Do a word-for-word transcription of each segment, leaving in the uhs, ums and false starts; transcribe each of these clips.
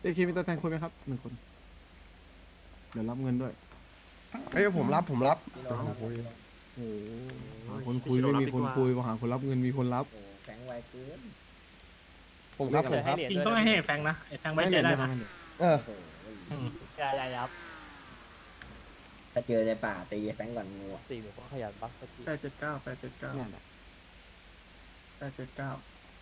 เจเคมีตัวแทนคุยไหมครับหนึ่งคนเดี๋ยวรับเงินด้วยเอ้ยผมรับผมรับโอ้โหหาคนคุยไม่มีคนคุยมาหาคนรับเงินมีคนรับแฝงไวเกินผมครับผมครับจริงต้องให้แฟงนะไอ้แฟงไว้ใจได้นะเออใช่ใช่ครับถ้าเจอในป่าตีแฝงก่อนงูอะสี่หนูก็ขยันบักสักทีแปดเจ็ดเก้าแปดเจ็ดเก้านั่นแหละแปดเจ็ดเก้า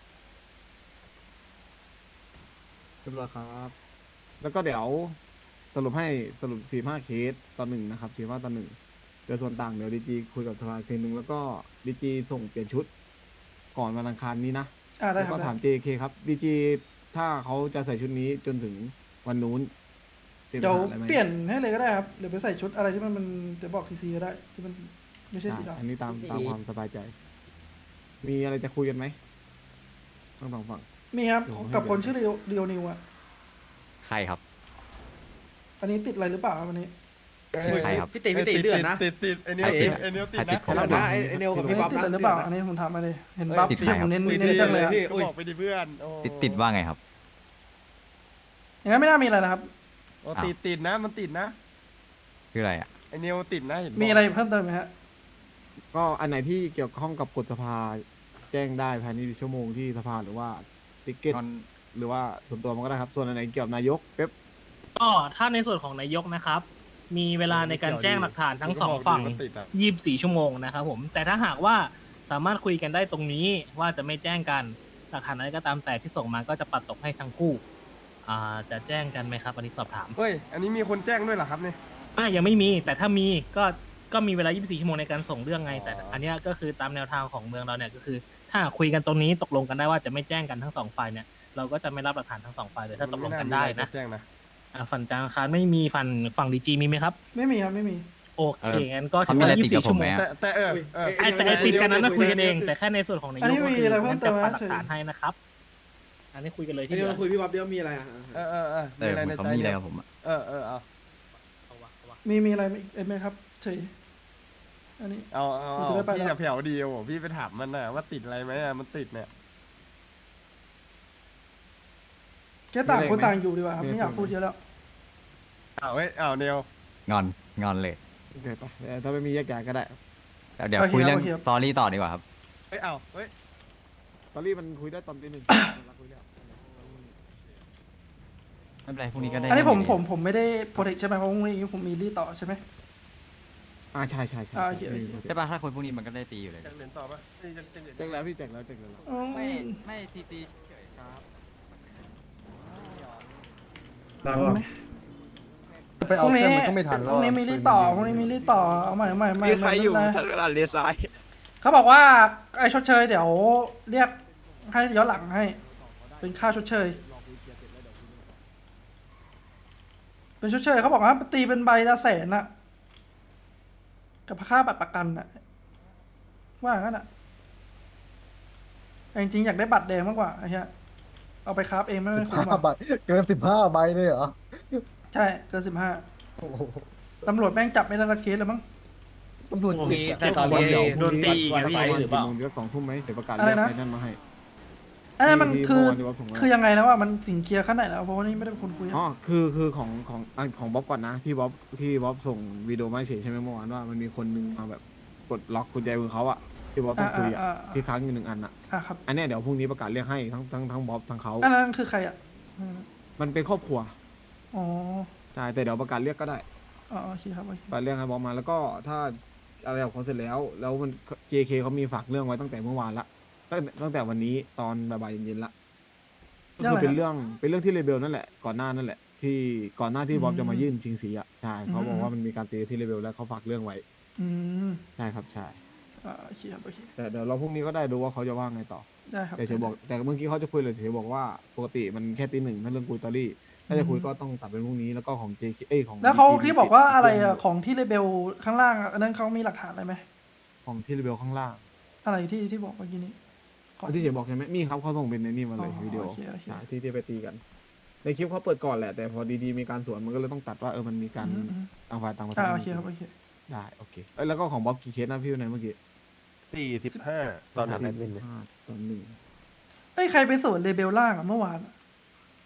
เรียบร้อยครับ แล้วก็เดี๋ยวสรุปให้สรุปสี่ห้าเคสต่อหนึ่งนะครับสี่ห้าต่อหนึ่งเดี๋ยวส่วนต่างเดี๋ยวดีจีคุยกับสภาอีกทีนึงแล้วก็ดีจีส่งเปลี่ยนชุด ก่อนวันอังคารนี้นะอ่าได้แล้วครัก็บถาม เจ เค ครับดีจีถ้าเขาจะใส่ชุดนี้จนถึงวันนู้นเป็นเดี๋ยวปัญหาอะไรไหมเปลี่ยนให้เลยก็ได้ครับ เดี๋ยวไปใส่ชุดอะไรที่มันมันเดี๋ยวบอกทีซีก็ได้ ที่มันไม่ใช่สีอ่ะดำอันนี้ตามตามความสบายใจ มีอะไรจะคุยกันไหมทั้งสองฝั่งมีครับเดี๋ยวผมให้กับคนเดี๋ยวชื่อเรียวเรียวนิวอ่ะใครครับอันนี้ติดอะไรหรือเปล่าครับวันนี้ใครครับพี่ตีพี่ตีเดือดนะติดติดไอ้เนี้ยใครติติดดไอ้เนี้ยติดใครตินะดผมแล้วนะไอ้ไอ้เนวกับอันพี่นี้บ๊อบติดนะอะไรหรือเปล่าดืดนะอันนี้ผมถามมาเลยเห็นบัฟติดใครที่คผรับมเน้นคุยเน้นจังเลยอะพี่ก็บอกไปดิเพื่อนโอ้ติดติดว่าไงครับอย่างนั้นไม่น่ามีอะไรนะครับโอ้ติดติดนะมันติดนะคืออะไรอ่ะไอ้เนี้ยติดนะเห็นมีอะไรเพิ่มเติมไหมฮะก็อันไหนที่เกี่ยวข้องกับกฎสภาแจ้งได้ภายในชั่วโมงที่สภาหรือว่าติ๊กเก็ตหรือว่าส่วนตัวมันก็ได้ครับ ส่วนอันไหนเกี่ยวกับนายกเป๊ปก็ถ้าในส่วนของนายกนะครับ มีเวลาในการแจ้งหลักฐานทั้งสองฝั่งมันติดอะยี่สิบสี่ชั่วโมงนะครับผม แต่ถ้าหากว่าสามารถคุยกันได้ตรงนี้ว่าจะไม่แจ้งกันหลักฐานอะไรก็ตามแต่ที่ส่งมาก็จะปัดตกให้ทั้งคู่อ่าจะแจ้งกันไหมครับอันนี้สอบถามเฮ้ยอันนี้มีคนแจ้งด้วยเหรอครับเนี่ยอ่ายังไม่มีแต่ถ้ามีก็ก็มีเวลายี่สิบสี่ชั่วโมงในการส่งเรื่องไงอ๋อแต่อันเนี้ยก็คือตามแนวทางของเมืองเราเนี่ยก็คือ ถ้าคุยกันตรงนี้ตกลงกันได้ว่าจะไม่แจ้งกันทั้งสองฝ่ายเนี่ยเราก็จะไม่รับหลักฐานทั้งสองฝ่ายเลยถ้าตกลงกันได้ม่ามีอรนะจแจ้งนะอ่าฝั่งจางคารไม่มีฝั่งฝั่งดีจีมีไหมครับไม่มีครับไม่มีโอเคเอองั้นก็เขาถือมีอะไรว่าติยี่ดสิบกับสี่ผมชั่วโมงไหมแต่แต่เออเออไอ้แต่ไอ้ติดกันนั้นนะคุยกันเอง แต่แค่ในส่วนของนายกอันนี้มีอะไรเพิ่มเติมไหมนจะปัดหลักฐานให้นะครับ อันนี้คุยกันเลยไอ้ที่เนเดีวยวคุยพี่บ๊อบเดี๋ยวมีอะไรอ่ะเออเออเออเอมีออะไรเหมืในอนเขาใจมีอะไรเนี่ยกับผมอ่ะเออเออเอามีมีอะไรอีกไหมครับเฉยอันนี้เอาเอาผมเอาจะได้ไปพี่แล้วจะแผ่วดีโอ้พี่ไปถามมันนะว่าติดอะไรไหมอะมันติดเนี่ยแค่ต่างมีอะไรคนไหมต่างอยู่ดีกว่าครับมีไม่อยากอะไรพูดเยอะแล้วอ้าวเฮ้ยอ้าวเนวงอน งอนเลยโอเคไปเอ่อถ้าไม่มีแยกย้ายก็ได้แต่เดี๋ยวโอเคคุยเรื่องโอเคครับสตอรี่ต่อดีกว่าครับเฮ้ยอ้าวเฮ้ยตอนนี้มันคุยได้ตอนตีหนึ่ง เราคุยแล้วไม่เป็นไรพรุ่งนี้ก็ได้อันนี้ผมเรื่งผมผมไม่ได้โปรเทคใช่ไหมเพราะพรุ่งนี้ผมมีรีต่อใช่ไหมอ่าใช่ใช่ใช่อ่าโอเคโอเคใช่ป่ะถ้าคนพวกนี้มันก็ได้ตีอยู่เลยจะเหรียญต่อปะเอ้ยจะจะเหรียญแจ้งแล้วพี่แจ้งแล้วแจ้งแล้วอืมไม่ไม่ทีซีเฉยครับไปพเอารุ่งเคนี้รื่องมันก็ไม่ทันพแล้วรุ่งนี้มีรีต่อพรุ่งนี้มีรีต่อเอาใหม่เอาใหม่เอาใหม่มีใครอยู่ไม่เป็นไรทันเวลาเลี้ยวซ้ายเขาบอกว่าไอ้ชดเชยเดี๋ยวเรียกให้ย้อนหลังให้ เป็นค่าชดเชย เป็นชดเชยเขาบอกว่าตีเป็นใบละแสนอะกับค่าบัตรประกันอะว่างั้นอะแต่จริงๆอยากได้บัตรแดงมากกว่าไอ้เหี้ยเอาไปคราฟเองไม่ไม่คุ้มห้าอะใบเกินสิบห้าใบเลยเหรอใช่เกินสิบห้าโอ้โหตำรวจแม่งจับไม่ได้ละเคสแล้วมั้งตำรวจมีจิตแต่ตอนวันนี้เดี๋ยวโดนตีอีกวันอะพี่วันหรือเปล่ากี่โมงเดี๋ยวสองทุ่มไหมเดี๋ยวประกาศอะไรเรียกนะไอ้นั่นมาให้อันนั้นมันที่คือเมื่อวานที่ว่าส่งมาคือยังไงแล้วว่ามันสิงเคลียร์ขั้นไหนแล้วเพราะว่านี่ไม่ได้เป็นคนคุยอะอ๋อคือคือของของอันของบ๊อบก่อนนะที่บ๊อบที่บ๊อบส่งวิดีโอมาให้เฉยใช่ไหมเมื่อวานว่ามันมีคนนึงมาแบบกดล็อกกุญแจมือเขาอะที่บ๊อบต้องคุยอะอ่าอ่าอ่าที่ค้างอยู่หนึ่งอันอะอ่ะครับอันเนี้ยเดี๋ยวพรุ่งนี้ประกาศเรียกให้ทั้งทั้งทั้งบ๊อบทั้งเขาอันนั้นคือใครอะมันเป็นครอบครัวอ๋อใช่แต่เดี๋ยวประกาศเรียกก็ได้อ๋อโอเคครับโอเคประกาศเรียกให้บ๊อบมาแล้วก็ถ้าอะไรของเขาเสร็จแล้ว แล้วมัน เจ เค เขามีฝากเรื่องไว้ตั้งแต่เมื่อวานละตั้งตั้งแต่วันนี้ตอนบ่ายๆเย็นๆละก็คือเป็นเรื่องเป็นเรื่องที่เลเบลนั่นแหละก่อนหน้านั่นแหละ ที่ก่อนหน้าที่บ๊อบจะมายื่นชิงสีอ่ะใช่เขาบอกว่ามันมีการตีที่เลเบลแล้วเขาฝากเรื่องไว้อืมใช่ครับใช่อ่าโอเคครับโอเคแต่เดี๋ยวเราพรุ่งนี้ก็ได้ดูว่าเขาจะว่าไงต่อได้ครับแต่เฉยบอกแต่เมื่อกี้เขาจะคุยเลยเฉยบอกว่าปกติมันแค่ตีหนึ่งถ้าเรื่องคุยตอรี่ถ้าจะคุยก็ต้องตัดเป็นพรุ่งนี้แล้วก็ของ เจ เค เอ้ยของแล้วเขาดี จีที่บอกว่าอะไรอะของที่เลเบลข้างล่างอะอันนั้นเขามีหลักฐานอะไรไหมของที่เลเบลข้างล่างอะไรที่ที่บอกเมื่อกี้นี้ของที่เฉยบอกใช่ไหมมีครับเขาส่งเป็นในนี่มาเลยอ๋อวิดีโอโอเคโอเคใช่ที่ที่ไปตีกัน ในคลิปเขาเปิดก่อนแหละแต่พอดีๆมีการสวนมันก็เลยต้องตัดว่าเออมันมีการอืมอืมต่างฝ่ายต่างประเทอ่าศโอเคครับโอเคได้โอเคเอ้ยแล้วก็ของบ๊อบกี่เคสนะพี่วันไหนเมื่อกี้สี่สิบห้าตอนนั้นห้าตอนหนึ่งเอ้ยใครไปสวนเลเบลล่างอะเมื่อวานอะ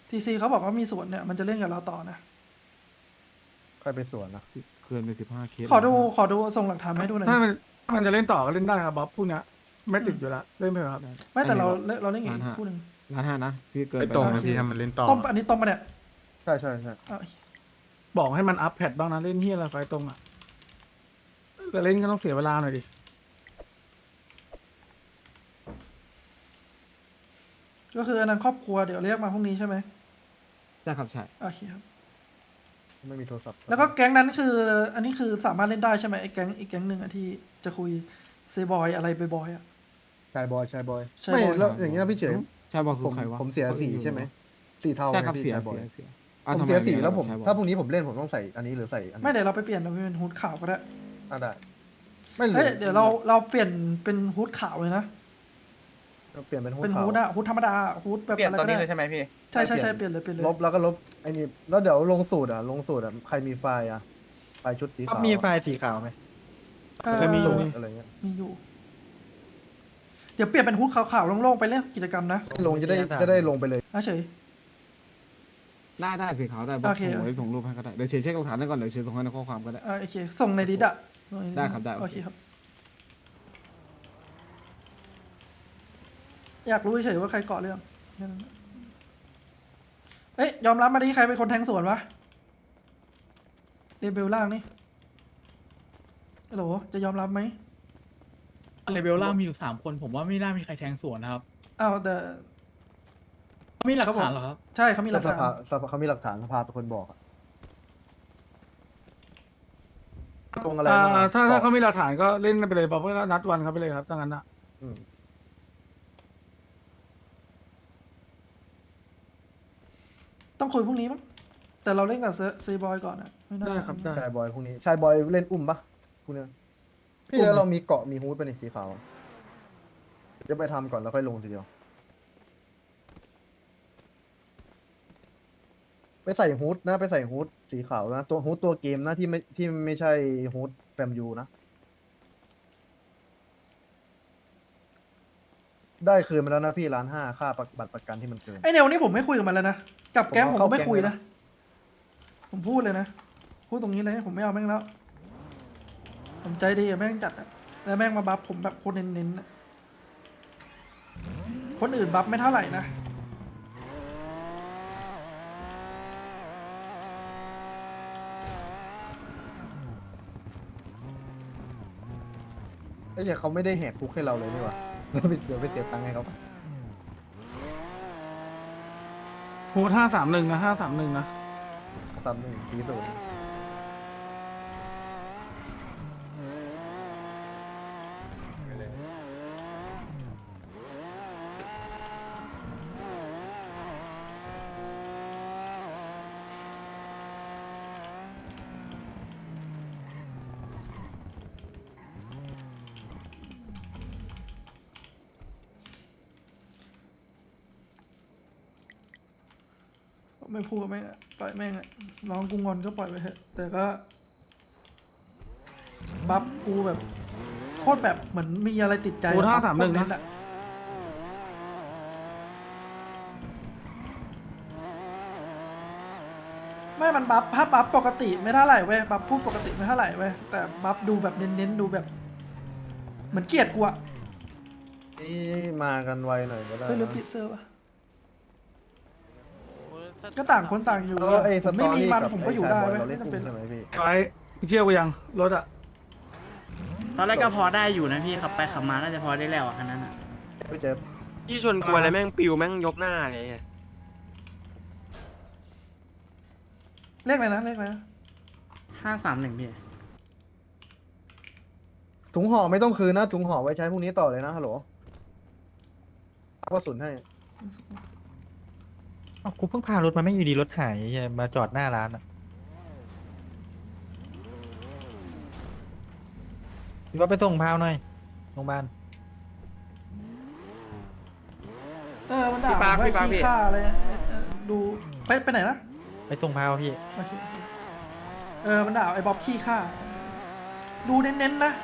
ทีซีเขาบอกว่ามีส่วนเนี่ยมันจะเล่นกับเราต่อนะใครไปสวนนะเกินไปสิบห้าเคสขอดูขอดูส่งหลักฐานมาให้ดูหน่อยถ้ามันถ้ามันจะเล่นต่อก็เล่นได้ครับบ๊อบพวกเนี้ยไม่ติดอยู่แล้วเล่นไปเถอะครับไม่แต่เราเราเล่นอีกคู่หนึ่งล้านห้านะที่เกินไปไปตรงล้านนะพี่ทำมันเล่นต่อต้มอันนี้ต้มปะเนี่ยใช่ใช่ใช่เอาบอกให้มันอัพแพดบ้างนะเล่นเฮียอะไรไฟตรงอ่ะแต่เล่นก็ต้องเสียเวลาหน่อยดิก็คืออันนั้นครอบครัวเดี๋ยวเรียกมาพรุ่งนี้ใช่ไหมใช่ครับใช่โอเคครับไม่มีโทรศัพท์แล้วก็แก๊งนั้นคือ อันนี้คือสามารถเล่นได้ใช่ไหมไอ้แก๊งอีกแก๊งหนึ่งอะที่จะคุยเซบอยอะไรบอยๆอะชายบอยชายบอยชายบอยไม่แล้วอย่างเงี้ยพี่เฉยใช่บอกคืผอมใครวะผมเสียสีใช่ไหมสีเทาใช่ครับไงพี่เสียชายบอเสียยเสียอ่ะผมทำไเสียสีแล้วผมใช่บอกถ้าพรุ่งนี้ผมเล่นผมต้องใส่อันนี้หรือใส่อันนี้ไม่เดี๋ยวเราไปเปลี่ยนเราไปเป็นฮูดขาวก็ได้อ่ะได้ไม่เหลืเฮ้ยเดี๋ยวเราเราเปลี่ยนเป็นฮูดขาวเลยนะเปลี่ยนเป็นฮูดเป็นขาวฮูดอะฮูดธรรมดาฮูดแบบเปลี่ยนอะไรตอนก็นี้ได้เลยใช่ไหมพี่ใช่ใช่ใช่เปลี่ยนเลยเปลี่ยนเลยลบแล้วก็ลบไอ้นี่แล้วเดี๋ยวลงสูตรอ่ะลงสูตรอ่ะใครมีไฟล์อ่ะไฟล์ชุดสีขาวมีไฟล์สีขาวไหมเออก็มีอสูยู่ตรอะไรเงี้ยมีอยู่ เดี๋ยวเปลี่ยนเป็นฮูดขาวๆโล่งๆไปเล่นกิจกรรมนะลงจะได้จะได้ลงไปเลยอ่ะเฉยได้ได้สีขาวได้บอกโอเคส่งไว้ส่งรูปให้ก็ได้เดี๋ยวเชยร์เช็คหลักฐานได้ก่อนเดี๋ยวเชยร์ส่งให้ในข้อความก็ได้อ่าโอเคส่งในดิสอะส่งในได้ครับได้โอโอเคเคครับ อยากรู้เฉยๆว่าใครเกาะเรื่องแค่นั้นเอ้ยยอมรับมาดิใครเป็นคนแทงสวนวะเรเบลล่างนี่ฮัลโหลจะยอมรับไหมเลเวลล่างมีอยู่สามคนผมว่าไม่น่ามีใครแทงสวนนะครับอ้าวแต่ไม่มีหลักฐานเหรอครับใช่เขามีหลักสฐานภาสภาเขามีหลักฐานสภาเป็นคนบอกอะตรงอะไรอ่าบ้างอะถ้าถ้าบอกเขามีหลักฐานก็เล่นไปเลยบ๊อบก็นัดวันเขาไปเลยครับถ้างั้นอ่ะอืมต้องคุยพรุ่งนี้มั้งแต่เราเล่นกับเซบอยก่อนอะไม่น่าได้ครับได้ชายบอยพวกนี้ชายบอยเล่นอุ้มปะพวกเนี้ยพี่แล้วเรามีเกาะมีฮูดเป็นสีขาวจะไปทำก่อนแล้วค่อยลงทีเดียว ไปใส่ฮูดนะไปใส่ฮูดสีขาวนะตัวฮูดตัวเกมนะที่ไม่ที่ไม่ใช่ฮูดแฟมยูนะ ได้คืนมาแล้วนะพี่ล้านห้าค่าประบัตรประกันที่มันเกินไอเนวนี่ผมไม่คุยกับมันแล้วนะกับแก๊งผมผมเอาก็ไม่เข้าคุยแก๊งนะ ผมพูดเลยนะพูดตรงนี้เลยผมไม่เอาแม่งแล้ว ผมใจดีกับแม่งจัดอะแล้วแม่งมาบัฟผมแบบคนเน้นๆอะคนอื่นบัฟไม่เท่าไหร่นะไอ้เหี้ยเขาไม่ได้แหกคุกให้เราเลยนี่หว่า เดี๋ยวไปเดี๋ยวไปเสียตังค์ให้เขาโหห้าสามหนึ่งนะห้าสามหนึ่งนะสามหนึ่งสี่ศูนย์ไปเลยไม่พูดกับแม่งอะปล่อยแม่งอะน้องกูงอนก็ปล่อยไปเถอะแต่ก็ บัฟกูแบบโคตรแบบเหมือนมีอะไรติดใจโอ้ถ้าบัฟสามหนึ่งโคตรนะเอะไม่มันบัฟถ้าบัฟปกติไม่เท่าไหร่เว้ยบัฟพูดปกติไม่เท่าไหร่เว้ยแต่บัฟดูแบบเน้นๆดูแบบ เหมือนเกลียดกูอะนี่มากันไวหน่อยก็ได้เฮ้ยหรือนะปิดเซอร์ปะก็ต่างคนต่างอยู่แล้วไอ้สผมตไม่อมีรี่มันกับผมก็ไอ้อยู่ชายได้บอยเว้ยเราเล่นไม่อุ้จำเป็นมใช่ไหมพี่ไปเชี่ยวกูยังรถอ่ะตอนแรกก็พอได้อยู่นะพี่ขับไปขับมาน่าจะพอได้แล้วอ่ะคันนั้นอ่ะพี่เจฟที่ชนกลัวอะไรแม่งปิวแม่งยกหน้าเลยไงเลขอะไรนะเลขอะไรนะห้าสามหนึ่งพี่ถุงห่อไม่ต้องคืนนะถุงห่อไว้ใช้พรุ่งนี้ต่อเลยนะฮัลโหลเอากระสุนให้อ้าวกูเพิ่งพารถมาไม่อยู่ดีรถหายเหี้ยมาจอดหน้าร้านอ่ะพี่ว่าไปส่งพาวหน่อยโรงพยาบาลเออมันด่าผมว่าขี้ข้าอะไรเออเออดูไปไปไหนนะไปส่งพาวพี่โอเคโอเคเออมันด่าไอ้บ๊อบขี้ข้าดูเน้นๆนะ